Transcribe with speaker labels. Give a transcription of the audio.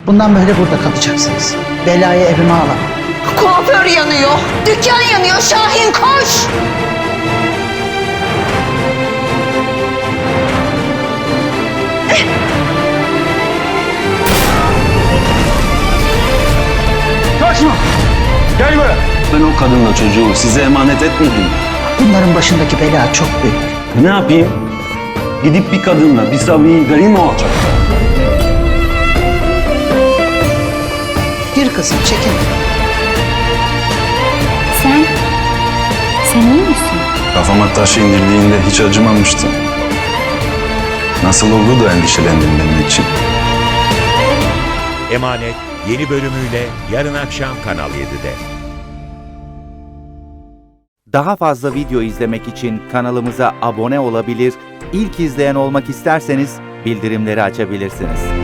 Speaker 1: Bundan böyle burada kalacaksınız. Belayı evime alamam.
Speaker 2: Kuaför yanıyor, dükkan yanıyor. Şahin koş!
Speaker 3: Kaçma! Gel buraya! Ben o kadınla çocuğu size emanet etmedim.
Speaker 1: Bunların başındaki bela çok büyük.
Speaker 3: Ne yapayım? Gidip bir kadınla bir sabiyi garin mi olacak?
Speaker 1: Gir kızım, çekin.
Speaker 4: Sen iyi misin?
Speaker 5: Kafama taş indirdiğinde hiç acımamıştım. Nasıl oldu da endişelendin benim için?
Speaker 6: Emanet yeni bölümüyle yarın akşam Kanal 7'de.
Speaker 7: Daha fazla video izlemek için kanalımıza abone olabilir, ilk izleyen olmak isterseniz bildirimleri açabilirsiniz.